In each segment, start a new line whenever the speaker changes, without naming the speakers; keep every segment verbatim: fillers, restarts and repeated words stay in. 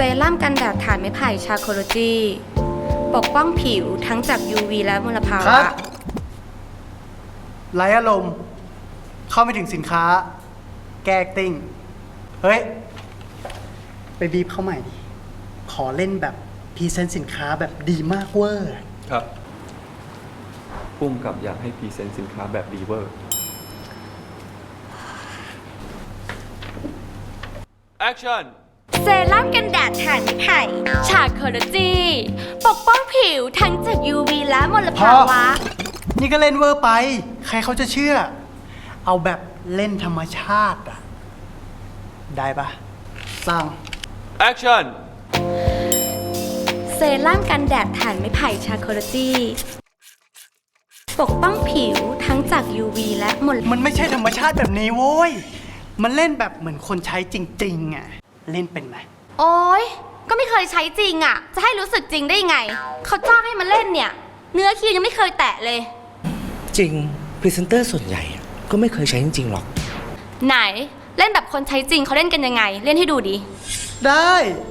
รั่มกันแดดฐานไม้ไผ่ชาโคโลจีปกป้องผิวทั้งจาก ยู วี และมลภาวะ
ไร้อารมณ์เข้าไม่ถึงสินค้าแก้ติ้งเฮ้ย ไปบีบเข้าใหม่ดิขอเล่นแบบพรีเซนต์สินค้าแบบดีมากเวอร์
ครับพุ่มกับอยากให้พรีเซนต์สินค้าแบบดีเวอร์ Action
เซรั่มกันแดดฐานไม้ไผ่ชาโคโลจีปกป้องผิวทั้งจาก ยู วี และมลภาวะ
นี่ก็เล่นเวอร์ไปใครเขาจะเชื่อเอาแบบเล่นธรรมชาติอะได้ปะสร้าง
Action
เซรั่มกันแดดฐานไม้ไผ่ชาโคโลจีปกป้องผิวทั้งจาก ยู วี และมล
มันไม่ใช่ธรรมชาติแบบนี้โว้ยมันเล่นแบบเหมือนคนใช้จริงๆอะเล่นเป็นไหม
โอ๊ยก็ไม่เคยใช้จริงอะจะให้รู้สึกจริงได้ยังไงเขาจ้างให้มาเล่นเนี่ยเนื้อคิวยังไม่เคยแตะเลย
จริงพรีเซนเตอร์ส่วนใหญ่ก็ไม่เคยใช้จริงๆหรอก
ไหนเล่นแบบคนใช้จริงเขาเล่นกันยังไงเล่นให้ดูดิ
ได้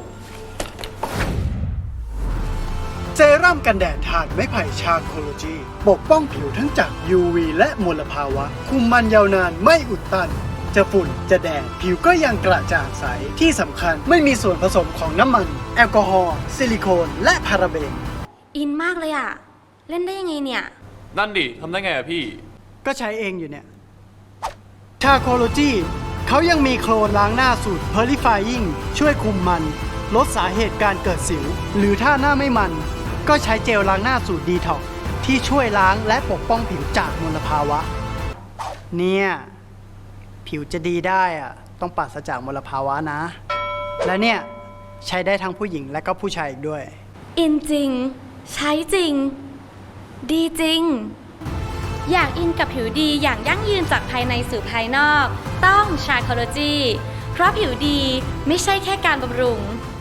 เซรั่มกันแดดฐานไม้ไผ่ชาโคโลจีปกป้องผิวทั้งจาก ยู วี และมลภาวะคุมมันยาวนานไม่อุดตันจะฝุ่นจะแดดผิวก็ยังกระจ่างใสที่สำคัญไม่มีส่วนผสมของน้ำมันแอลกอฮอล์ซิลิโคนและพาราเบน
อินมากเลยอะเล่นได้ยังไงเนี่ย
นั่นดิทำได้ไงอะพี่
ก็ใช้เองอยู่เนี่ยชาโคโลจีเขายังมีโคลนล้างหน้าสูตร Purifying ช่วยคุมมันลดสาเหตุการเกิดสิวหรือถ้าหน้าไม่มันก็ใช้เจลล้างหน้าสูตรดีท็อกที่ช่วยล้างและปกป้องผิวจากมลภาวะเนี่ยผิวจะดีได้อะต้องปราศจากมลภาวะนะและเนี่ยใช้ได้ทั้งผู้หญิงและก็ผู้ชายอีกด้วย
อินจริงใช้จริงดีจริงอยากอินกับผิวดีอย่างยั่งยืนจากภายในสู่ภายนอกต้องชาโคโลจีเพราะผิวดีไม่ใช่แค่การบำรุง